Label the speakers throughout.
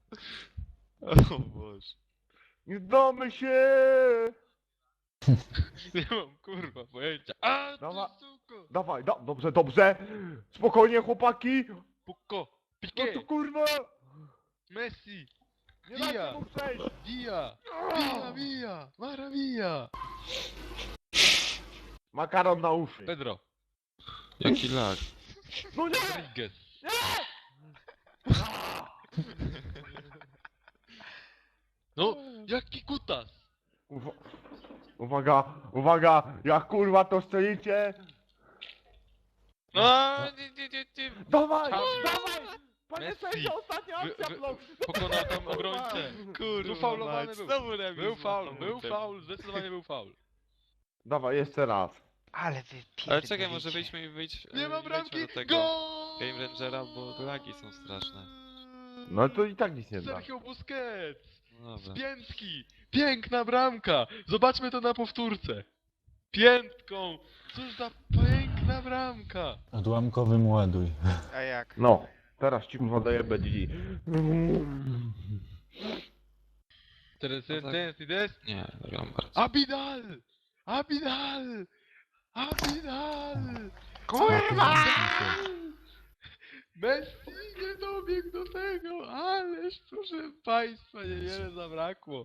Speaker 1: O Boże.
Speaker 2: Nie znamy się!
Speaker 1: Nie mam kurwa pojęcia. A ty
Speaker 2: Dawaj.
Speaker 1: suko!
Speaker 2: Dawaj, dobrze, dobrze! Spokojnie, chłopaki!
Speaker 1: Puko!
Speaker 2: No
Speaker 1: Piqué!
Speaker 2: to kurwa!
Speaker 1: Messi!
Speaker 2: Nie dajcie
Speaker 1: Via!
Speaker 2: mu przejść!
Speaker 1: Via! Via, via! Maravilla!
Speaker 2: Makaron na uszy.
Speaker 1: Pedro!
Speaker 3: Jaki lag.
Speaker 2: No nie!
Speaker 1: Rodriguez! No, jaki kutas!
Speaker 2: Uwa uwaga, uwaga! Jak kurwa to strzelicie!
Speaker 1: A, nie.
Speaker 2: Dawaj!
Speaker 1: Tam.
Speaker 2: Dawaj! Panie
Speaker 1: Messi.
Speaker 2: sędzio, ostatnia akcja, blok!
Speaker 1: Pokonał tam obrońcę!
Speaker 3: Kurwa,
Speaker 1: Ufaulowany
Speaker 3: mać,
Speaker 1: był.
Speaker 3: znowu remis.
Speaker 1: Był faul, zdecydowanie był faul.
Speaker 2: Dawaj, jeszcze raz.
Speaker 4: Ale wy
Speaker 3: Ale czekaj, może wyjdźmy i wyjdź.
Speaker 1: Nie ma
Speaker 3: wejdźmy
Speaker 1: bramki!
Speaker 3: do tego
Speaker 1: Gol!
Speaker 3: Game Rangera, bo lagi są straszne.
Speaker 2: No to i tak nic nie da.
Speaker 1: Sergio Busquets!
Speaker 3: No dobra.
Speaker 1: Piętki! Piękna bramka! Zobaczmy to na powtórce. Piętką! Cóż za piękna bramka!
Speaker 5: Odłamkowym ładuj.
Speaker 4: A jak?
Speaker 2: No, teraz ci kurwa daję BDG.
Speaker 1: Teraz
Speaker 3: No tak.
Speaker 1: jest.
Speaker 3: Nie, gram bardzo.
Speaker 1: Abidal! Abidal! Abidal!
Speaker 4: Kurwa!
Speaker 1: Messi nie dobiegł do tego, ależ proszę państwa, niewiele zabrakło.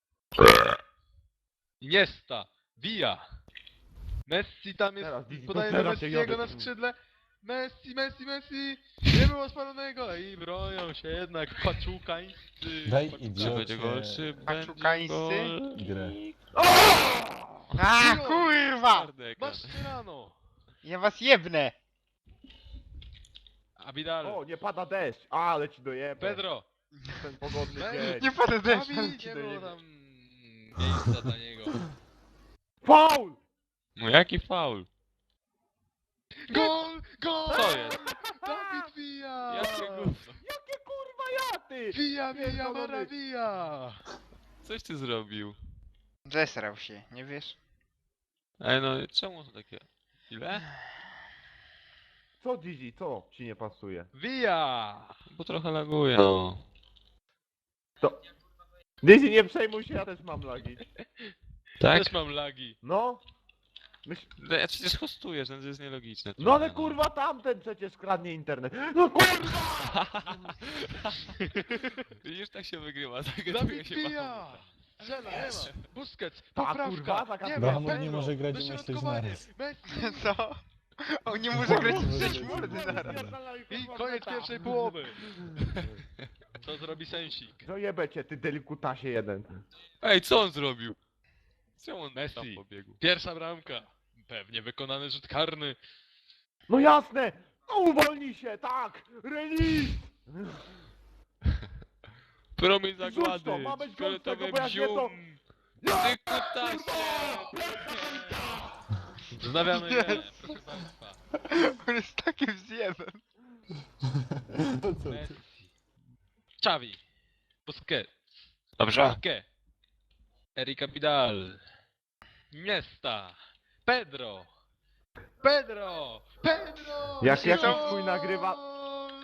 Speaker 1: Iniesta, Villa. Messi tam jest,
Speaker 2: Teraz, Didi,
Speaker 1: podaje
Speaker 2: to
Speaker 1: do
Speaker 2: teraz się
Speaker 1: Messiego
Speaker 2: jadę.
Speaker 1: na skrzydle. Messi, nie było spalonego i bronią się jednak paczukańscy.
Speaker 5: Daj
Speaker 3: Czy
Speaker 5: idiocie
Speaker 3: będzie gol, czy będzie
Speaker 4: Paczukańscy?
Speaker 3: gol?
Speaker 5: grę.
Speaker 4: A kurwa!
Speaker 3: Twardy ekran.
Speaker 1: Mascherano,
Speaker 4: Ja was jebnę!
Speaker 1: Abidal,
Speaker 2: O, nie pada deszcz. Ale ci dojebę.
Speaker 1: Pedro.
Speaker 2: Ten pogodny
Speaker 1: Messi.
Speaker 2: dzień.
Speaker 4: Nie pada deszcz,
Speaker 1: Abi,
Speaker 4: ale ci
Speaker 1: nie było
Speaker 4: dojebę.
Speaker 1: tam miejsca dla niego.
Speaker 2: Faul!
Speaker 3: No jaki faul?
Speaker 1: Gol! Gol!
Speaker 3: Co jest?
Speaker 1: Dawid Villa!
Speaker 3: Jakie gówno?
Speaker 2: Jakie kurwa jaty!
Speaker 1: Villa,
Speaker 2: Pierdolony.
Speaker 1: Maravilla!
Speaker 3: Coś ty zrobił.
Speaker 4: Zesrał się, nie wiesz?
Speaker 3: Ej no, czemu to takie? Ile?
Speaker 2: Co Didi, co ci nie pasuje?
Speaker 1: Villa!
Speaker 3: Bo trochę laguje. No.
Speaker 2: Didi, nie przejmuj się, ja też mam lagi.
Speaker 3: Tak?
Speaker 1: Też mam lagi.
Speaker 2: No?
Speaker 3: No, ja przecież hostujesz, no to jest nielogiczne.
Speaker 2: No ale
Speaker 3: trochę,
Speaker 2: kurwa tamten przecież kradnie internet. No kurwa!
Speaker 3: Widzisz, tak się wygrywa. Tak
Speaker 1: Dawid
Speaker 3: się
Speaker 1: Villa! Strzela, nie ma. Busquets,
Speaker 2: Ta
Speaker 1: poprawka.
Speaker 2: kurwa, taka
Speaker 1: Nie
Speaker 2: kurwa.
Speaker 1: ma,
Speaker 5: Bahamut nie
Speaker 1: Pedro,
Speaker 5: może grać i myśleć
Speaker 1: dośrodkowanie.
Speaker 5: naraz.
Speaker 1: Messi.
Speaker 4: Co? On nie może grać w trzeć mordy zaraz.
Speaker 1: I koniec pierwszej połowy. Co zrobi Sensik?
Speaker 2: No jebę cię, ty delikutasie jeden.
Speaker 3: Ej, co on zrobił? Czemu on
Speaker 1: Messi.
Speaker 3: tam pobiegł?
Speaker 1: Pierwsza bramka. Pewnie wykonany rzut karny.
Speaker 2: No jasne! No uwolnij się, tak! Remis!
Speaker 3: Promień
Speaker 2: Rzuć
Speaker 3: zagłady!
Speaker 2: to, ma być gol z tego,
Speaker 3: Fioletowe
Speaker 2: bo jak nie to-
Speaker 3: bzium! Ty kutasie!
Speaker 1: Wznawiamy grę, proszę państwa.
Speaker 4: On jest takim zjebem.
Speaker 5: To co ty?
Speaker 1: Messi. Xavi. Busquets.
Speaker 3: Dobrze.
Speaker 1: Piqué. Eric Abidal. Iniesta. Pedro. Pedro.
Speaker 2: Jak
Speaker 4: jakiś
Speaker 2: chuj nagrywa-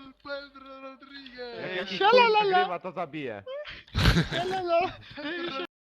Speaker 1: Pedro Rodriguez.
Speaker 2: Jak jakiś
Speaker 4: Sialalala.
Speaker 2: chuj nagrywa, to zabije.
Speaker 4: Lalala.